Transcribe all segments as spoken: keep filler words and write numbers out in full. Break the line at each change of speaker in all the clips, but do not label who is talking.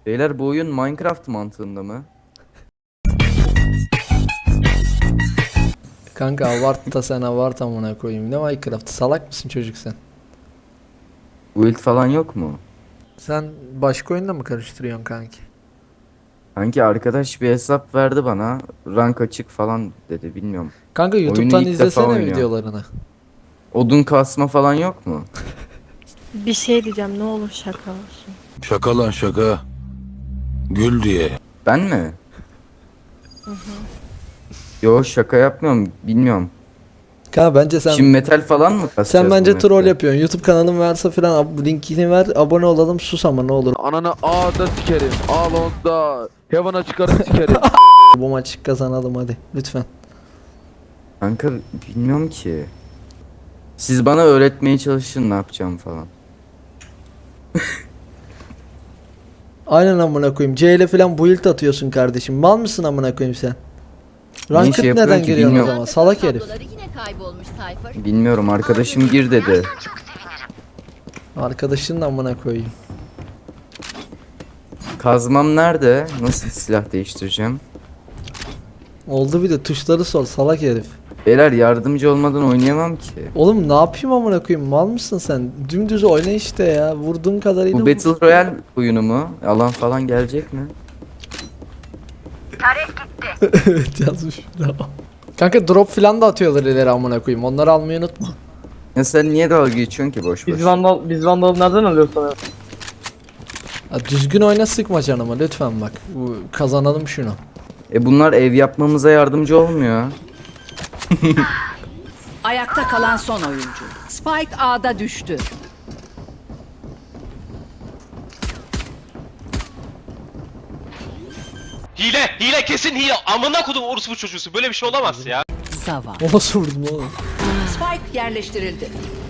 Beyler bu oyun Minecraft mantığında mı?
Kanka avart da sen avart amına koyayım. Ne Minecraft? Salak mısın çocuk sen?
Build falan yok mu?
Sen başka oyunla mı karıştırıyorsun kanki?
Sanki arkadaş bir hesap verdi bana. Rank açık falan dedi, bilmiyorum.
Kanka
Oyunu
YouTube'dan
ilk defa
izlesene
oynuyorum.
videolarını.
Odun kasma falan yok mu?
Bir şey diyeceğim, ne olur şaka olsun.
Şaka lan şaka. Gül diye.
Ben mi? Yo, şaka yapmıyorum, bilmiyorum.
Kanka bence sen
Şimdi metal falan mı kasacağız
sen
bu
bence
map'te?
troll yapıyorsun. YouTube kanalın varsa filan ab- linkini ver, abone olalım, sus ama ne olur.
Ananı A'da sikerim. A longda. Heaven'a çıkarıp sikerim.
Bu maçı kazanalım hadi lütfen.
Kanka bilmiyorum ki. Siz bana öğretmeye çalışın ne yapacağım falan.
Aynen amına koyayım. C ile filan build atıyorsun kardeşim. Mal mısın amına koyayım sen? Ranked
şey yapıyorsun
neden
ki
giriyorsun o
bilmiyorum.
zaman? Salak herif.
Tabloları yine kaybolmuş Cypher.
Bilmiyorum, arkadaşım gir dedi.
Arkadaşın da amına koyayım.
Kazmam nerede? Nasıl silah değiştireceğim?
Oldu bir de tuşları sor salak herif.
Beyler yardımcı olmadan oynayamam ki.
Oğlum ne yapayım amına koyayım? Mal mısın sen? Dümdüz oyna işte ya. Vurduğun kadarıyla
Bu
vur.
Battle Royale oyunu mu? Alan falan gelecek mi?
Evet yazmış. Bravo. Kanka drop filan da atıyorlar ileri amına koyayım. Onları almayı unutma.
Ya sen niye dalga geçiyorsun ki boş boş?
Biz vandal biz vandalı nereden alıyoruz sana?
Ya düzgün oyna sıkma canımı lütfen bak. Bu, kazanalım şunu.
E bunlar ev yapmamıza yardımcı olmuyor.
Ayakta kalan son oyuncu. Spike A'da düştü.
Hile, hile kesin hile. Amına kodum orospu çocuğusu. Böyle bir şey olamaz ya.
Zava.
O nasıl vurdum oğlum?
Spike yerleştirildi.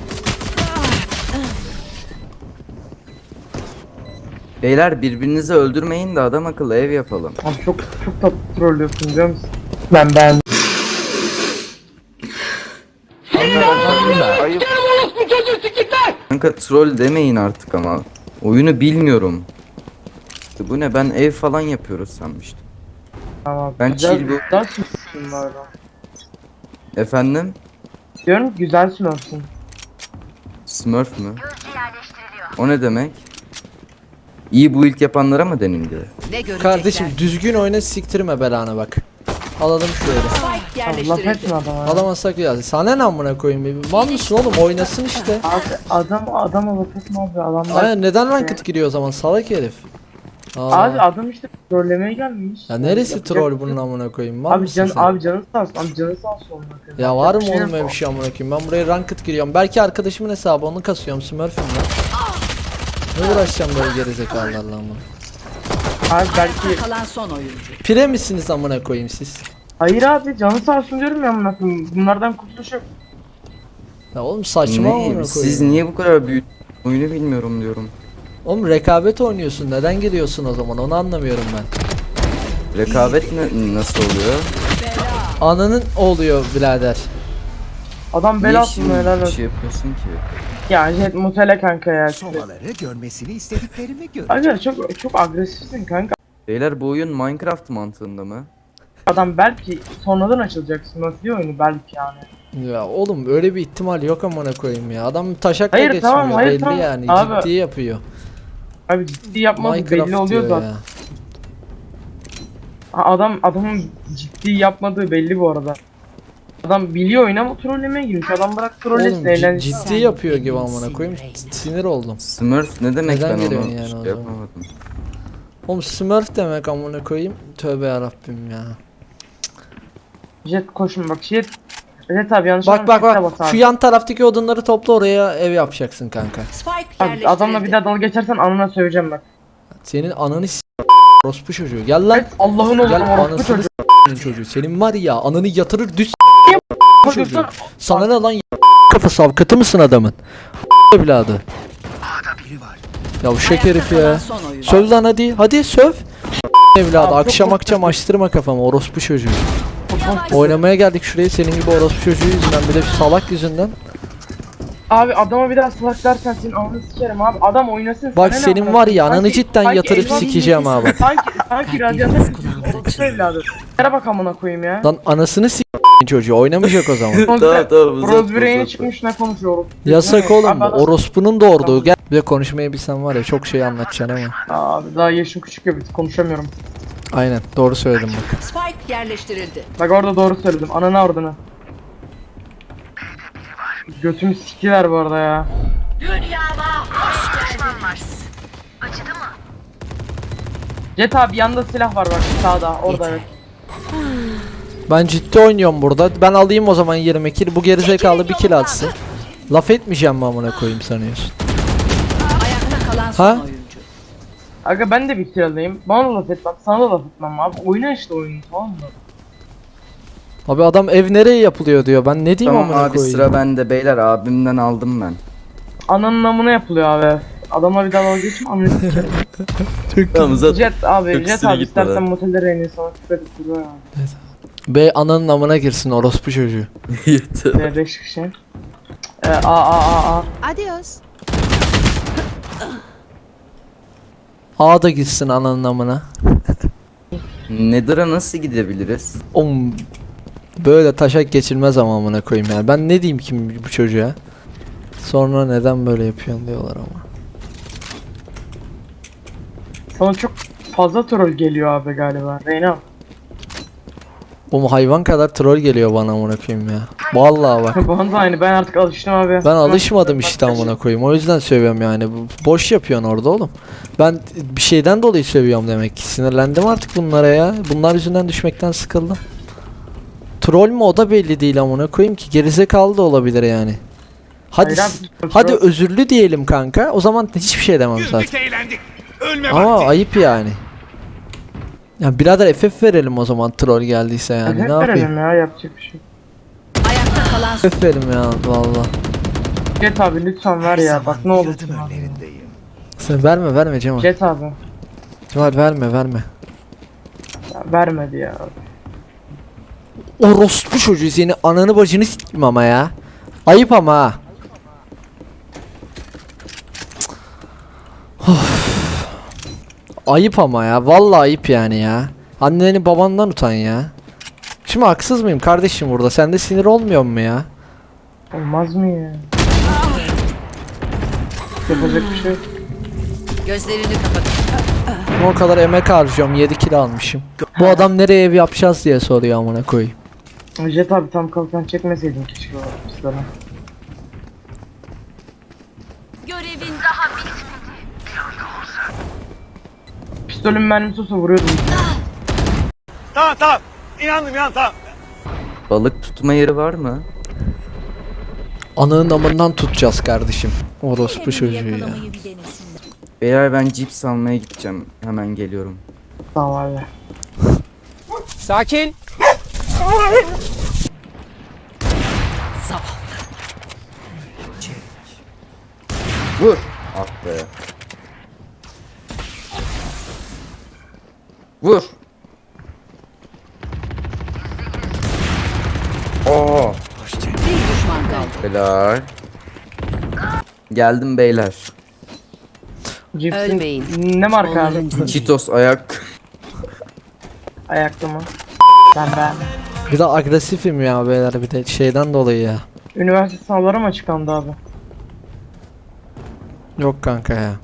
Beyler birbirinizi öldürmeyin de adam akıllı ev yapalım.
Abi çok çok tatlı trollüyorsun biliyor musun? Ben ben.
Kanka troll demeyin artık ama. Oyunu bilmiyorum. Bu ne, ben ev falan yapıyoruz sanmıştım.
Tamam.
Ben
güzel,
chill bu-
güzel sınıfsın bu arada.
Efendim?
Diyorum ki güzel sınıfsın.
Smurf mü? O ne demek? İyi build yapanlara mı denildi?
Ne görecekler?
Kardeşim düzgün oyna siktirme belanı bak. Alalım şöyle.
Spike
Allah
yerleştirildi.
etme adama.
Alamazsak ya. Sana ne amına koyayım? Mal mısın oğlum? Oynasın işte.
Abi adam adama laf etme abi adamlar.
Aynen neden ranked giriyor o zaman salak herif? Aa.
Abi adam işte trollemeye gelmiş.
Ya neresi
Yapacak
troll
bir şey
bunun
yok.
amına koyayım? Mal
Abi
mısın
can
sen?
abi canı sağ olsun. Abi canı sağ olsun. amına koyayım.
Ya var mı
Yapacak
oğlum
şey
öyle bir şey amına koyayım? Ben buraya ranked giriyorum. Belki arkadaşımın hesabı onu kasıyorum Smurf'üm lan. Ne uğraşacağım böyle gerizekalılarla amına?
Abi belki
Kalan son oyuncu.
Pire misiniz amına koyayım siz?
hayır abi canı sağ olsun diyorum ya amına koyayım. Bunlardan kurtuluş yok.
Ya oğlum saçma amına
Ne?
koyayım.
Siz niye bu kadar büyük oyunu bilmiyorum diyorum.
Oğlum rekabet oynuyorsun. Neden giriyorsun o zaman? Onu anlamıyorum ben.
Rekabet ne, nasıl oluyor?
Ananın oluyor birader.
Adam
Niye
bel atmıyor
şimdi
helal
bir
olsun.
şey yapıyorsun ki?
Ya jet mutele kanka ya.
Somaları görmesini istediklerimi gör.
Aga çok çok agresifsin kanka.
Beyler bu oyun Minecraft mantığında mı?
Adam belki sonradan açılacak Smurf diye oyunu belki yani.
Ya oğlum öyle bir ihtimal yok amına koyayım ya. Adam taşakla
Hayır,
geçmiyor
tamam, hayır,
belli
tamam.
yani.
Abi-
Ciddi yapıyor.
Abi ciddi yapmadı
Minecraft
belli oluyor
diyor
zaten.
ya.
Ha, Adam adamın ciddi yapmadığı belli bu arada. Adam biliyor oyunu ama trollemeye girmiş. Adam bırak trollesin
Oğlum
eğlenceli.
cid- ciddi yapıyor gibi amına koyayım. Sinir oldum.
Smurf ne demek,
Neden
ben onu
geliyorsun yani
şey
o zaman?
yapamadım.
Oğlum Smurf demek amına koyayım. Tövbe yarabbim ya.
Jet koşun bak jet. Jet abi yanlış
Bak bak
anlama,
bak.
bas
Şu
abi.
yan taraftaki odunları topla, oraya ev yapacaksın kanka.
Spike
Abi,
yerleştirildi.
adamla bir daha dalga geçersen anına söyleyeceğim bak.
Senin ananı s*** orospu çocuğu. Gel lan.
Evet Allah'ın oğlu
Gel
orospu
anasını
çocuğu.
s***'nin çocuğu. Senin var ya ananı yatırır düz çocuğu.
Bakıyorsun,
Sana ne lan y- kafası avukatı mısın adamın? Evladı. Ya bu şek herif
Kalan
ya.
son oyuncu.
Söv lan hadi. Hadi söv. Evladı
Abi,
akşam
çok-
akşam açtırma kafamı orospu çocuğu. Oynamaya geldik şuraya senin gibi orospu çocuğu yüzünden, bir de şu salak yüzünden.
Abi adama bir daha salak dersen senin ananı sikerim abi. Adam oynasın.
Bak
sana ne
senin
amına
var
koyayım?
ya, ananı
Sanki-
cidden
sanki
yatırıp
elmas-
sikeceğim abi.
Sanki sanki radyanta orospu evladı. Yere bak amına koyayım ya.
Lan anasını s*** çocuğu oynamayacak o zaman.
Tamam tamam uzatma,
Roseberry'e
uzatma.
çıkmış ne konuşuyorum.
Yasak oğlum bu.
Abi adam-
Orospunun doğurduğu. Gel. Bir de konuşmayı bilsen var ya, çok şey anlatacaksın ama.
Abi daha yaşım küçük ya konuşamıyorum.
Aynen doğru söyledim bak.
Spike yerleştirildi.
Bak orada doğru söyledim. Ananı ardını. Götümü sikiler bu arada ya. Jet abi yanında silah var bak sağda orada evet.
Ben ciddi oynuyorum burada. Ben alayım o zaman yirmi kill. Bu gerizekalı bir kill atsın. Laf etmeyeceğim mi amına koyayım sanıyorsun?
Ayakta kalan son
Ha?
oyuncu.
Aga ben de bir kill alayım. Bana da laf etmem, sana da laf etmem abi. Oyna işte oyunu tamam mı?
Abi adam ev nereye yapılıyor diyor. Ben ne diyeyim
Tamam
amına
abi
koyayım?
sıra bende beyler, abimden aldım ben.
Ananın namına yapılıyor abi. Adamla bir daha dalga geçme ananı sikerim.
Tamam uzat.
Jet abi,
Çok
Jet
üstüne
abi
gitme
istersen
lan.
motellere en iyi sana küfür edip duruyor ya.
Bey ananın amına girsin orospu çocuğu.
Yeter.
Ee, beş kişi. Ee, a a a a.
Adios.
A da gitsin ananın amına.
Nether'a nasıl gidebiliriz?
Oğlum böyle taşak geçilmez ama amına koyayım yani. Ben ne diyeyim ki bu çocuğa? Sonra neden böyle yapıyorsun diyorlar ama.
Sana çok fazla troll geliyor abi galiba. Reyna.
Oğlum hayvan kadar troll geliyor bana amına koyayım ya. Vallahi bak.
Bana da aynı ben artık alıştım abi.
Ben alışmadım işte amına koyayım. O yüzden seviyorum yani. Bu- Boş yapıyorsun orada oğlum. Ben bir şeyden dolayı seviyorum demek ki. Sinirlendim artık bunlara ya. Bunlar yüzünden düşmekten sıkıldım. Troll mü o da belli değil amına koyayım ki. Gerizekalı da olabilir yani. Hadi
Hayır
s-
abi,
hadi
troll-
özürlü diyelim kanka. O zaman hiçbir şey demem zaten. Ama ayıp yani. Ya birader F F verelim o zaman troll geldiyse yani.
Hep
Ne yapayım?
verelim ya yapacak bir şey.
Ayakta kalan son
F F verim ya valla.
Jet abi lütfen ver ya bak ne olursun
Yaradım
abi.
önlerindeyim.
Sen verme verme Cemal.
Jet abi.
Cemal verme verme.
Ya, vermedi ya.
Orospu çocuğu seni ananı bacını s**tim ama ya. Ayıp ama ha. Of. Ayıp ama ya. Vallahi ayıp yani ya. Anneni babandan utan ya. Şimdi haksız mıyım kardeşim burada? Sende sinir olmuyor mu ya?
Olmaz mı ya? Yapacak bir şey yok.
gözlerini kapatın.
O kadar emek harcıyorum. yedi kilo almışım. Bu adam nereye ev yapacağız diye soruyor amına koyayım.
Jet abi tam kalkan çekmeseydin keşke o pisleri.
Görevin
Pistolün mermisi olsa vuruyordum.
Balık tutma yeri var mı?
Ananın amından tutacağız kardeşim. Orospu çocuğu ya.
Beyler ben cips almaya gideceğim. Hemen geliyorum.
Tamam abi.
Sakin.
Vur. Ah be. Vur. Oo.
bir düşman kaldı.
Beyler. Geldim beyler.
Cipsin
Ölmeyin.
ne marka abi?
Cheetos ayak.
Ayakta mı? Ben ben.
Bir de agresifim ya beyler bir de şeyden dolayı ya.
Üniversite sınavları mı açıklandı abi?
Yok kanka ya.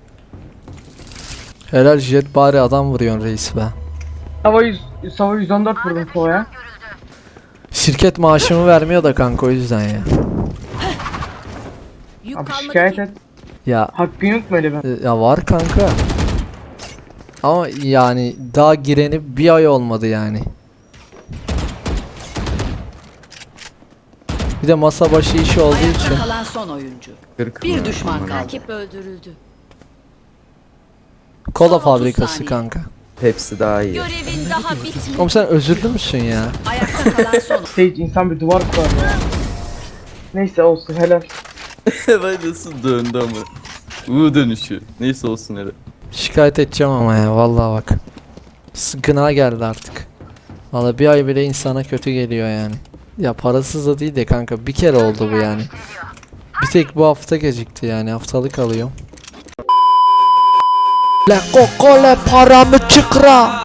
Helal jet bari adam vuruyorsun reis be.
Hava yüz, Sava yüz on dört vurdum Kova'ya.
Şirket maaşımı vermiyor da kanka o yüzden ya.
Yük
Abi
kalmadı
şikayet
ki.
et.
Ya
Hakkın yok mu öyle ben?
e, ya var kanka. Ama yani daha gireni bir ay olmadı yani. Bir de masa başı işi olduğu için.
Ayakta kalan son oyuncu.
Kırk
Bir
mı?
düşman
Aman
kaldı.
abi.
Rakip öldürüldü.
Kola
Son otuz
fabrikası
saniye.
kanka.
Pepsi daha iyi.
Görevin daha bitmedi.
Oğlum sen özürlü müsün ya?
Ayakta kalan son.
Sage insan bir duvar kurar ya. Neyse olsun helal.
Ben nasıl döndü ama. U dönüşü. Neyse olsun hele.
Şikayet edeceğim ama ya vallahi bak. Sıkına geldi artık. Vallahi bir ay bile insana kötü geliyor yani. Ya parasız da değil de kanka bir kere oldu bu yani. Bir tek bu hafta gecikti yani haftalık alıyorum. Le kokole paramı çıkra.